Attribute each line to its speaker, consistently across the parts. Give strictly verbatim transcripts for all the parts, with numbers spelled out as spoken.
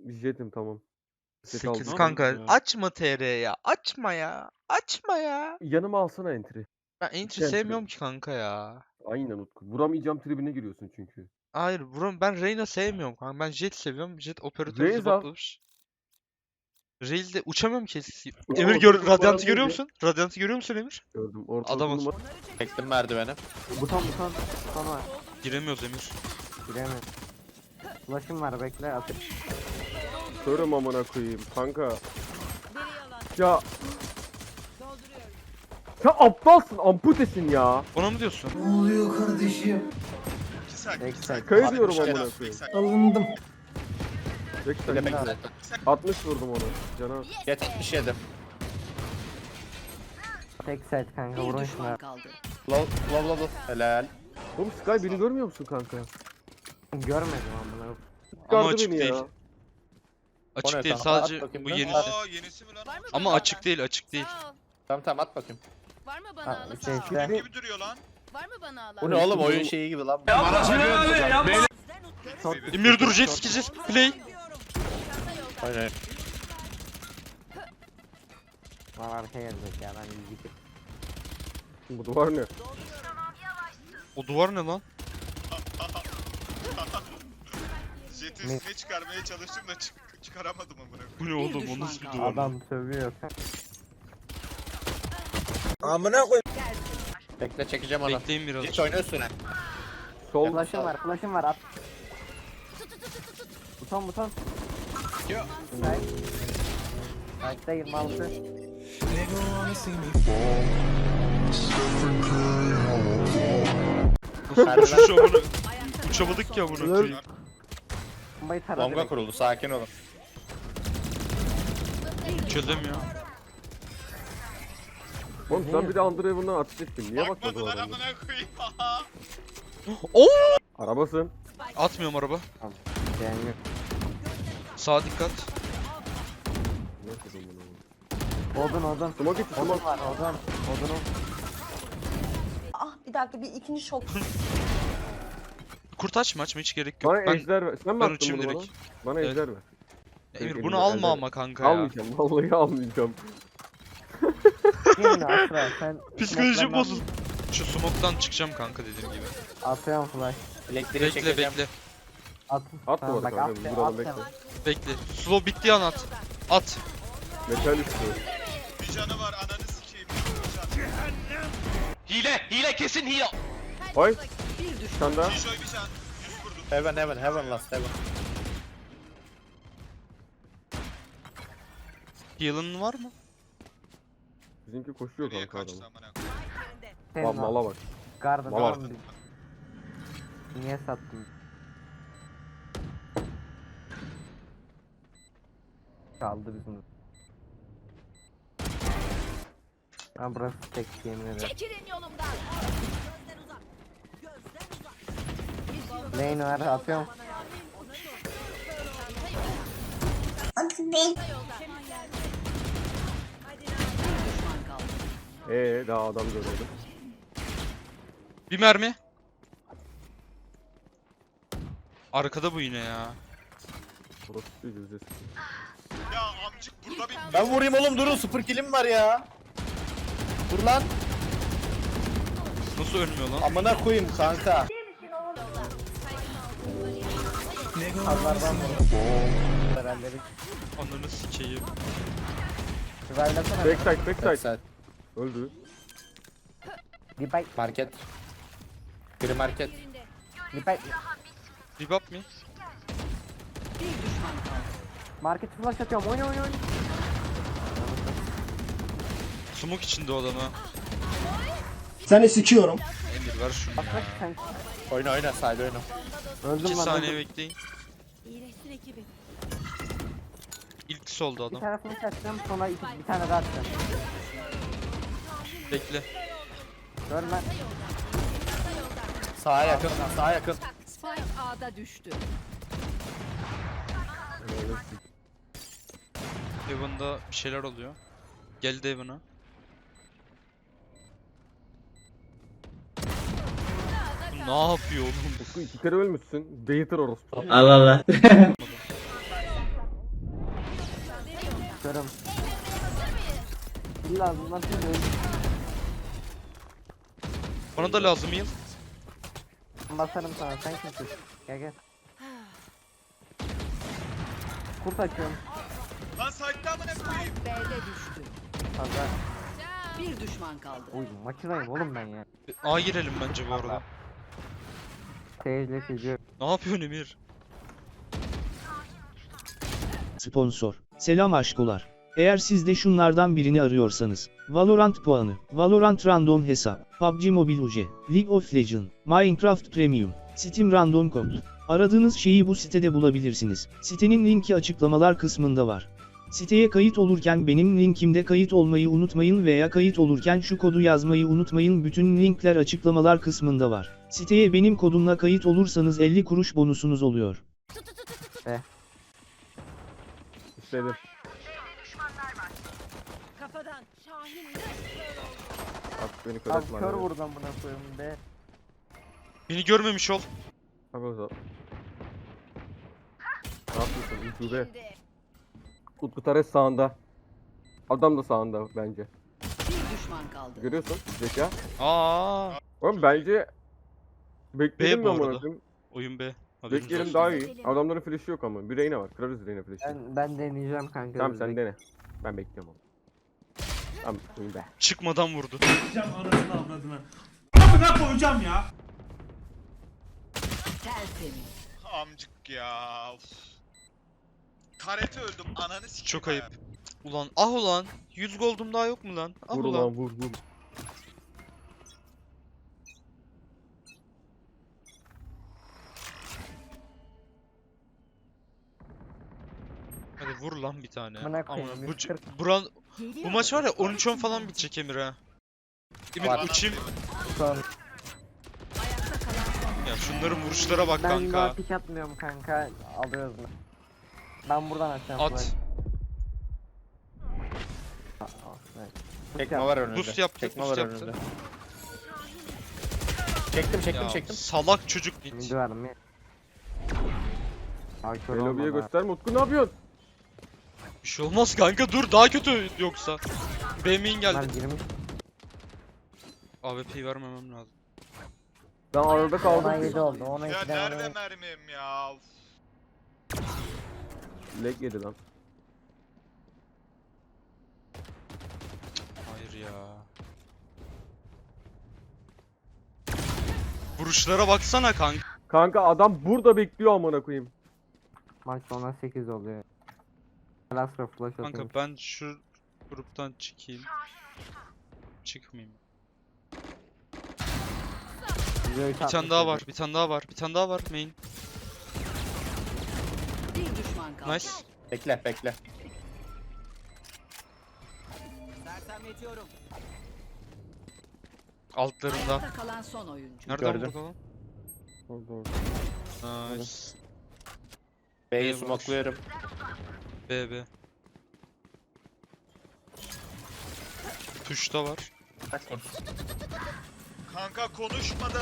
Speaker 1: Jetim tamam. Jet aldım.
Speaker 2: sekiz
Speaker 3: aldım
Speaker 2: kanka.
Speaker 3: ya.
Speaker 2: Açma T R ya. Açma ya. Açma ya.
Speaker 1: Yanıma alsana entry.
Speaker 2: Ben entry
Speaker 1: entry.
Speaker 2: sevmiyorum ki kanka ya.
Speaker 1: Aynen Utku. Vuramayacağım tribine giriyorsun çünkü.
Speaker 2: Hayır bro, ben Reyna sevmiyorum kanka. Ben Jet seviyorum. Jet operatör
Speaker 1: Raze al.
Speaker 2: zıbatlamış. Rail'de uçamıyorum ki.
Speaker 1: Ulan
Speaker 2: Emir
Speaker 1: orta
Speaker 2: gör,
Speaker 1: numara
Speaker 2: Radiant'ı görüyor
Speaker 1: neydi?
Speaker 2: musun? Radiant'ı görüyor musun Emir?
Speaker 1: Gördüm. Orta
Speaker 2: Adam
Speaker 1: Adam
Speaker 2: ol.
Speaker 4: Çektim merdiveni.
Speaker 5: Buton buton buton var.
Speaker 2: Giremiyoruz Emir.
Speaker 5: Giremiyorum. Flash'ım var bekle atayım.
Speaker 1: Körüm amına koyayım kanka. Ya. Ya aptalsın, amputesin ya.
Speaker 2: Ona mı diyorsun?
Speaker 5: Backside.
Speaker 1: Kayı diyorum
Speaker 4: altmış
Speaker 1: amına
Speaker 4: yedi.
Speaker 1: koyayım.
Speaker 5: Alındım.
Speaker 1: Bekle.
Speaker 4: Demek
Speaker 5: Bekle.
Speaker 1: altmış vurdum ona. Cana.
Speaker 4: yetmiş yedi.
Speaker 5: Backside kanka
Speaker 6: Bir
Speaker 5: vurun şuna.
Speaker 6: düşman kaldı.
Speaker 4: Low low low low. Helal.
Speaker 1: Oğlum Sky beni görmüyor musun kanka?
Speaker 5: Görmedim amına.
Speaker 2: Ama
Speaker 1: Çıkardı
Speaker 2: açık
Speaker 1: beni
Speaker 2: değil.
Speaker 1: ya.
Speaker 2: Açık
Speaker 4: O ne
Speaker 2: değil
Speaker 4: kanka? At
Speaker 2: sadece
Speaker 4: bakayım
Speaker 2: bu
Speaker 4: ben.
Speaker 2: yenisi.
Speaker 7: Aa yenisi mi lan?
Speaker 6: Var mı
Speaker 2: Ama
Speaker 6: bana
Speaker 2: açık
Speaker 6: alan?
Speaker 2: değil, açık değil.
Speaker 6: Sağ ol.
Speaker 4: Tamam tamam at bakayım.
Speaker 6: Var mı bana
Speaker 5: Ha,
Speaker 6: alan?
Speaker 5: şey
Speaker 6: Sağ ol.
Speaker 5: işte.
Speaker 7: Gibi duruyor lan.
Speaker 6: Var mı bana alan?
Speaker 4: Bu ne oğlum oyun şeyi gibi lan.
Speaker 2: Emir dur, jet sikeceğiz. Play.
Speaker 4: Hayır hayır.
Speaker 5: Var arkaya gelecek ya ben iyi gidip.
Speaker 1: Bu duvar ne?
Speaker 2: O duvar ne lan?
Speaker 7: Jet'i üstüne çıkarmaya çalıştım da çık çıkaramadım amına.
Speaker 2: Bu ne oğlum? O nasıl bir duvar? lan?
Speaker 5: Adam sövüyor.
Speaker 4: Bekle çekeceğim onu.
Speaker 2: Bekleyin biraz.
Speaker 4: Git oyna üstüne.
Speaker 1: Sol.
Speaker 5: Flash'ım var flash'ım var at. Buton buton. Side. Side'da yirmi altı.
Speaker 2: Uçuş amına. Uçamadık ki amına koyayım.
Speaker 5: Bombayı taradı.
Speaker 4: Longa
Speaker 5: direkt.
Speaker 4: kuruldu sakin olun.
Speaker 2: Çözüm ya.
Speaker 1: Oğlum sen bir de Underhaven'dan ateş ettin. Niye bakmadın o
Speaker 7: Bakmadılar
Speaker 1: adamı?
Speaker 7: amına koyayım.
Speaker 2: Oo!
Speaker 1: Arabasın.
Speaker 2: Atmıyorum araba.
Speaker 5: Yani yok.
Speaker 2: Sağa dikkat.
Speaker 1: Ne yapıyorsun bunu?
Speaker 5: Odun odun.
Speaker 1: Smoke içi
Speaker 5: Odun
Speaker 1: smoke.
Speaker 5: var odun. Odunum.
Speaker 8: Ah bir dakika bir ikinci şok.
Speaker 2: Kurt açma, açma hiç gerek yok.
Speaker 1: Bana
Speaker 2: Ben
Speaker 1: ejder ver. Sen mi
Speaker 2: ben
Speaker 1: attın
Speaker 2: uçayım
Speaker 1: bunu bana?
Speaker 2: direkt.
Speaker 1: Bana
Speaker 2: Evet.
Speaker 1: ejder ver.
Speaker 2: Emir
Speaker 1: Elimde
Speaker 2: bunu alma
Speaker 1: ejder.
Speaker 2: ama kanka ya.
Speaker 1: Almayacağım. Vallahi almayacağım.
Speaker 5: Yine Asra sen.
Speaker 2: Psikolojim
Speaker 5: smoke'lardan-
Speaker 2: bozuldu. Şu smoke'tan çıkacağım kanka dediğim gibi.
Speaker 5: Atıyorum flash.
Speaker 4: Elektriği
Speaker 2: Bekle
Speaker 4: çekeceğim.
Speaker 2: bekle.
Speaker 5: At.
Speaker 1: At
Speaker 5: Tamam,
Speaker 1: bu arada
Speaker 5: bak,
Speaker 1: kanka.
Speaker 5: at,
Speaker 1: Biz duralım
Speaker 5: at
Speaker 1: bekle.
Speaker 5: hemen.
Speaker 2: Bekle. Slow bittiği an at. At.
Speaker 1: Metal üstü.
Speaker 7: Bir canı var ananı sikeyim. Bir
Speaker 2: Hile! Hile kesin hile!
Speaker 1: Ay.
Speaker 6: Bir düşman.
Speaker 1: Sen daha.
Speaker 7: can. Joy bir can. Yüz vurdum.
Speaker 4: Heaven heaven heaven last heaven.
Speaker 2: Heal'ın var mı?
Speaker 1: Bizimki koşuyor
Speaker 7: Nereye
Speaker 1: kanka
Speaker 7: kaçtı
Speaker 1: adam.
Speaker 7: amına koyayım.
Speaker 5: Senin
Speaker 1: Bak mala bak.
Speaker 5: Gardı
Speaker 1: Mala.
Speaker 5: tamam. Niye sattın? Kaldı bizim. Ben burası tek yemin ederim.
Speaker 6: Çekilin yolumdan.
Speaker 5: Lane var atıyorum.
Speaker 1: Ee daha adam görmedim.
Speaker 2: Bir mermi. Arkada bu yine ya.
Speaker 1: Burası değil yüzde
Speaker 7: Ya amcık burada bir
Speaker 4: Ben vurayım oğlum durun sıfır killim var ya. Dur lan.
Speaker 2: Nasıl ölmüyor lan?
Speaker 4: Amına koyayım kanka.
Speaker 5: Azlardan vurun. Herhalde bir
Speaker 2: Ananı sikeyim.
Speaker 5: Raylasana.
Speaker 1: Backside backside.
Speaker 4: Backside.
Speaker 1: Öldü.
Speaker 5: Dipay.
Speaker 4: Market. Biri market.
Speaker 5: Dipay.
Speaker 2: Rebap mi?
Speaker 6: Bir düşman kaldı.
Speaker 5: Market flash atıyorum. Oyna oyna oyna.
Speaker 2: Smoke içinde o adam ha.
Speaker 9: Seni sikiyorum.
Speaker 2: Emir ver şunu
Speaker 5: Bak
Speaker 2: ya.
Speaker 5: bak sen.
Speaker 4: Oyna oyna side oyna.
Speaker 5: Öldüm
Speaker 2: İki
Speaker 5: lan.
Speaker 2: saniye
Speaker 5: öldüm.
Speaker 2: bekleyin.
Speaker 6: İyileşsin ekibi.
Speaker 2: İlk soldu
Speaker 5: Bir
Speaker 2: adam.
Speaker 5: tane flash atacağım sonra iki, bir tane daha atacağım.
Speaker 2: Bekle.
Speaker 5: Gör lan.
Speaker 4: Sağa yakın sağa yakın.
Speaker 6: Spike A'da düştü.
Speaker 2: Heaven'da bir şeyler oluyor. Geldi Heaven'a. Bu ne yapıyor oğlum?
Speaker 1: Utku iki kere ölmüşsün. Beytir orospu.
Speaker 9: Allah Allah.
Speaker 5: Ölüyorum. İlla bunlar şimdi öldü.
Speaker 2: Bana da lazım yıl.
Speaker 5: Basarım sana sen kimsin? Gel gel. Kurt açıyorum.
Speaker 7: Lan site'da amına koyayım.
Speaker 6: B'de düştü.
Speaker 5: Fazla.
Speaker 6: Bir düşman kaldı.
Speaker 5: Uy makinayım oğlum ben ya.
Speaker 2: A girelim bence bu arada.
Speaker 5: Seyirle çiziyor.
Speaker 2: Ne yapıyorsun Emir?
Speaker 3: Sponsor. Selam aşkolar. Eğer siz de şunlardan birini arıyorsanız, Valorant puanı, Valorant random hesap, P U B G Mobile U C, League of Legends, Minecraft Premium, Steam Random Code. Aradığınız şeyi bu sitede bulabilirsiniz. Sitenin linki açıklamalar kısmında var. Siteye kayıt olurken benim linkimde kayıt olmayı unutmayın veya kayıt olurken şu kodu yazmayı unutmayın. Bütün linkler açıklamalar kısmında var. Siteye benim kodumla kayıt olursanız elli kuruş bonusunuz oluyor.
Speaker 1: İstedim.
Speaker 6: Kafadan. Şahin
Speaker 1: At beni kör
Speaker 5: Abi
Speaker 1: etme.
Speaker 5: kör
Speaker 1: abi.
Speaker 5: vurdum buna koyayım be.
Speaker 2: Beni görmemiş ol.
Speaker 1: Bak o zaman. Ne yapıyorsun? Ucube. Utku Tares sağında. Adam da sağında bence.
Speaker 6: Bir düşman kaldı.
Speaker 1: Görüyorsun zeka.
Speaker 2: Aa,
Speaker 1: Oğlum bence bekleyelim
Speaker 2: B bu
Speaker 1: mi amına
Speaker 2: arada.
Speaker 1: koyayım?
Speaker 2: oyun B. Haberiniz
Speaker 1: Bekleyelim
Speaker 2: olsun.
Speaker 1: daha iyi. Adamların flash'ı yok ama. Bir Reyna var. Kırarız Reyna flash'ı.
Speaker 5: Ben, ben deneyeceğim kanka.
Speaker 1: Tamam sen
Speaker 5: Özbek.
Speaker 1: dene. Ben bekliyorum onu. Tamam oyun be.
Speaker 2: Çıkmadan vurdu.
Speaker 9: Anasını avradını. Amına koyacağım ya.
Speaker 6: Tertemiz.
Speaker 7: Amcık ya. Of. Tarete öldüm ananı sikeyim.
Speaker 2: Çok
Speaker 7: ha.
Speaker 2: ayıp. Ulan ah ulan. yüz gold'um daha yok mu lan? Ah
Speaker 1: Vur
Speaker 2: ulan.
Speaker 1: ulan vur vur.
Speaker 2: Hadi vur lan bir tane.
Speaker 5: Amına koyayım,
Speaker 2: Ama bu,
Speaker 5: yüz kırk.
Speaker 2: buran, bu maç var ya on üç on falan bitecek Emir ha. Emir
Speaker 4: Var.
Speaker 2: uçayım.
Speaker 5: Son.
Speaker 6: Ayakta kalan son.
Speaker 2: Ya şunların vuruşlara bak
Speaker 5: Ben daha
Speaker 2: kanka.
Speaker 5: pik atmıyorum kanka. Alıyoruz bunu. Ben buradan açacağım.
Speaker 2: At.
Speaker 5: flash. Aa, aa, evet.
Speaker 4: Çekme var önünde.
Speaker 2: Boost yaptı,
Speaker 4: Çekme
Speaker 2: boost
Speaker 4: var
Speaker 2: yaptı.
Speaker 4: önünde. Çektim çektim
Speaker 2: Ya
Speaker 4: çektim.
Speaker 2: salak çocuk git.
Speaker 5: Midi var mı? Ay kör
Speaker 1: Elobi'ye
Speaker 5: olmadı ha.
Speaker 1: gösterme. Utku ne yapıyorsun?
Speaker 2: Bir şey olmaz kanka dur daha kötü yoksa. B main
Speaker 5: Bunlar
Speaker 2: geldi.
Speaker 5: girmiş.
Speaker 2: A W P'yi vermemem lazım.
Speaker 1: Ben arada
Speaker 5: Ona
Speaker 1: kaldım.
Speaker 5: yedi oldu. Ona
Speaker 7: Ya
Speaker 5: ikiden
Speaker 7: nerede
Speaker 5: ona
Speaker 7: mermim ya? Of.
Speaker 1: Leg yedi lan.
Speaker 2: Hayır ya. Vuruşlara baksana kanka.
Speaker 1: Kanka adam burada bekliyor amına koyayım.
Speaker 5: maç sonra sekiz oluyor. Lastra flash atayım.
Speaker 2: Kanka ben şu gruptan çıkayım. Çıkmayayım. Bir tane daha var, bir tane daha var, bir tane daha var main.
Speaker 6: Bir düşman kaldı.
Speaker 2: Nice.
Speaker 4: Bekle bekle.
Speaker 2: Altlarında.
Speaker 6: Ayakta kalan son oyuncu.
Speaker 2: Nereden
Speaker 4: Gördüm.
Speaker 2: vurdu lan?
Speaker 1: Orada orada.
Speaker 2: Nice.
Speaker 4: B'yi
Speaker 2: B'ye vur.
Speaker 4: smokluyorum.
Speaker 2: B B. Tuşta var.
Speaker 7: Kanka konuşmadım.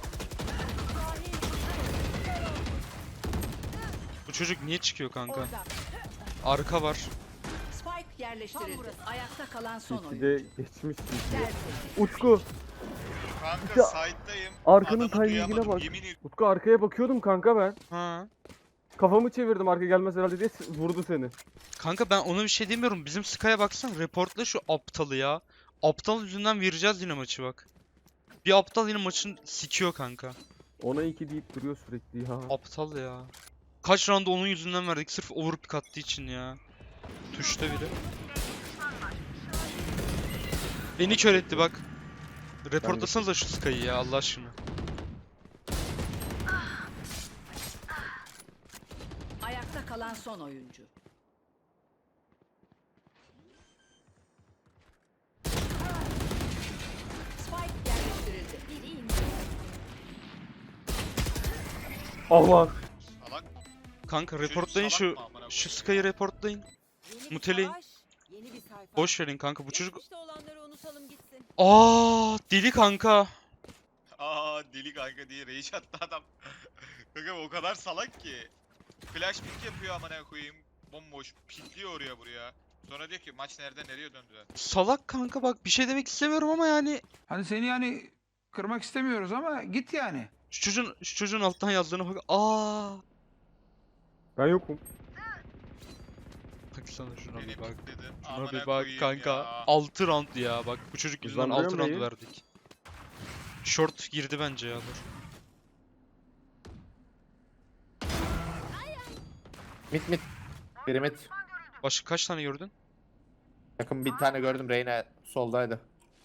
Speaker 2: Bu çocuk niye çıkıyor kanka?
Speaker 6: Orada.
Speaker 2: Arka var.
Speaker 6: Spike yerleştirildi. Ayakta kalan son
Speaker 1: İki
Speaker 6: oyuncu.
Speaker 1: de geçmiş.
Speaker 6: Tertemiz.
Speaker 1: Utku.
Speaker 7: Kanka
Speaker 1: Ya,
Speaker 7: side'dayım.
Speaker 1: arkanın
Speaker 7: Adamı
Speaker 1: timingine
Speaker 7: duyamadım,
Speaker 1: bak.
Speaker 7: Yemin ediyorum.
Speaker 1: Utku arkaya bakıyordum kanka ben.
Speaker 2: Ha.
Speaker 1: Kafamı çevirdim arka gelmez herhalde diye s- vurdu seni.
Speaker 2: Kanka ben ona bir şey demiyorum. Bizim Sky'a baksana. Reportla şu aptalı ya. Aptal yüzünden vereceğiz yine maçı bak. Bir aptal yine maçın sikiyor kanka.
Speaker 1: Ona iki deyip duruyor sürekli ya.
Speaker 2: Aptal ya. Kaç round'da onun yüzünden verdik sırf overpick attığı için ya. Tuşta biri. Beni kör etti bak. Reportlasanıza şu Sky'ı ya Allah aşkına.
Speaker 6: Ayakta kalan son oyuncu. Spike yerleştirildi. Biri indi.
Speaker 1: Allah.
Speaker 7: Salak.
Speaker 2: Kanka
Speaker 7: Çocuk
Speaker 2: reportlayın
Speaker 7: salak
Speaker 2: şu
Speaker 7: mı amına
Speaker 2: şu
Speaker 7: koyayım?
Speaker 2: Sky'ı reportlayın. Muteleyin.
Speaker 6: Yeni bir sayfa.
Speaker 2: Boş verin kanka bu çocuk.
Speaker 6: Geçmişte olanları unutalım gitsin.
Speaker 2: Aa deli kanka.
Speaker 7: Aa deli kanka diye rage attı adam. Kanka o kadar salak ki. Flash pick yapıyor amına koyayım. Bomboş pikliyor oraya buraya. Sonra diyor ki maç nerede nereye döndüler.
Speaker 2: Salak kanka bak bir şey demek istemiyorum ama yani
Speaker 9: Hani seni yani kırmak istemiyoruz ama git yani.
Speaker 2: şu çocuğun şu çocuğun alttan yazdığına bak. Aa!
Speaker 1: Ben yokum.
Speaker 2: Baksana şuna
Speaker 7: Beni
Speaker 2: bir bak.
Speaker 7: dedi.
Speaker 2: Şuna
Speaker 7: Amına
Speaker 2: bir bak
Speaker 7: koyayım
Speaker 2: kanka.
Speaker 7: ya.
Speaker 2: altı round ya. Bak bu çocuk yüzünden
Speaker 1: Hızlandırıyor
Speaker 2: altı
Speaker 1: mu
Speaker 2: round
Speaker 1: yayın?
Speaker 2: verdik. Short girdi bence ya dur.
Speaker 4: Mit mit. Biri mit.
Speaker 2: Başka kaç tane gördün?
Speaker 4: Yakın bir tane gördüm, Reyna soldaydı.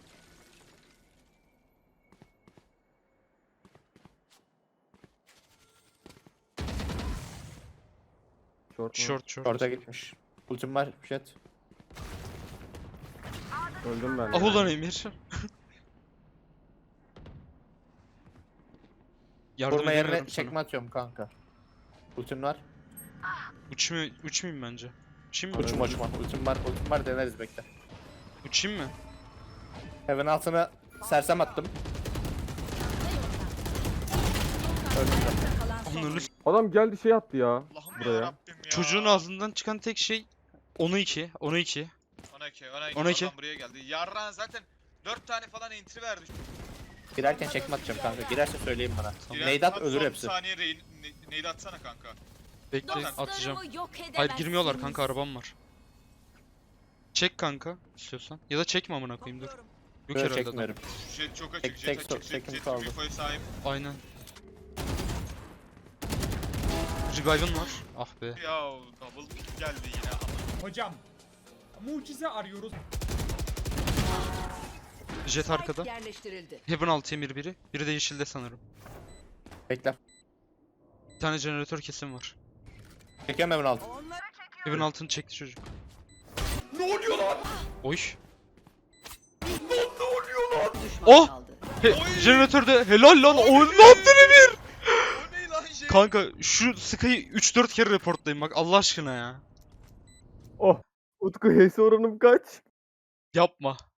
Speaker 1: Short mu?
Speaker 2: Short short.
Speaker 4: Orada gitmiş. Ultim var, jet.
Speaker 1: Öldüm ben.
Speaker 2: Ah
Speaker 1: ya.
Speaker 2: ulan Emir. Yardım
Speaker 4: Vurma yerine
Speaker 2: edemiyorum sana.
Speaker 4: çekme atıyorum kanka. Ultim var.
Speaker 2: Uçmayayım, uçmayayım bence. Uçayım mı?
Speaker 4: Uçma uçma. Ultim var, ultim var, deneriz bekle.
Speaker 2: Uçayım mı?
Speaker 4: Heaven altına sersem attım. Öldüm de.
Speaker 6: Ayakta kalan son
Speaker 2: Ananı
Speaker 6: oyuncu.
Speaker 2: s-
Speaker 1: Adam geldi şey attı ya.
Speaker 7: Allah'ım
Speaker 1: Buraya.
Speaker 7: yarabbim ya.
Speaker 2: Çocuğun ağzından çıkan tek şey onu iki, onu iki.
Speaker 7: on iki, on iki,
Speaker 2: on iki.
Speaker 7: Oradan buraya geldi. Yarran zaten dört tane falan entry verdi.
Speaker 4: Girerken çekme atacağım kanka. Girerse söyleyin bana.
Speaker 7: Giren
Speaker 4: Neydi at
Speaker 7: son-
Speaker 4: ölür
Speaker 7: son
Speaker 4: hepsi.
Speaker 7: saniye reyin, ne, neydi atsana kanka.
Speaker 2: Bekle atacağım.
Speaker 6: Dostlarımı yok
Speaker 2: Hayır girmiyorlar
Speaker 6: edemezsiniz.
Speaker 2: kanka arabam var. Çek kanka istiyorsan. Ya da çekme amına koyayım dur. Yok
Speaker 4: Böyle
Speaker 2: herhalde adam.
Speaker 4: çekmiyorum.
Speaker 7: Jet çok açık,
Speaker 4: Tek-
Speaker 7: jet
Speaker 4: tek
Speaker 7: açık,
Speaker 4: stop,
Speaker 7: jet,
Speaker 4: tekim
Speaker 7: jet
Speaker 4: kaldı.
Speaker 7: infoya sahip.
Speaker 2: Aynen. Revive'ın var. Ah be.
Speaker 7: Ya double pick geldi yine ama.
Speaker 9: Hocam mucize arıyoruz.
Speaker 2: Jet
Speaker 6: Spike
Speaker 2: arkada.
Speaker 6: yerleştirildi.
Speaker 2: Heaven altı emir biri. Biri de yeşilde sanırım.
Speaker 4: Bekle.
Speaker 2: Bir tane jeneratör kesim var.
Speaker 4: Çekiyorum Heaven altı.
Speaker 2: Heaven altını çekti çocuk.
Speaker 9: Ne oluyor lan?
Speaker 2: Oy.
Speaker 6: Düşman
Speaker 2: Oh!
Speaker 6: kaldı.
Speaker 2: He, jeneratörde helal lan. O ne yaptın Emir?
Speaker 7: O ne lan şey?
Speaker 2: Kanka şu Sky'ı üç dört kere reportlayın bak Allah aşkına ya.
Speaker 1: Oh. Utku H S oranım kaç?
Speaker 2: Yapma.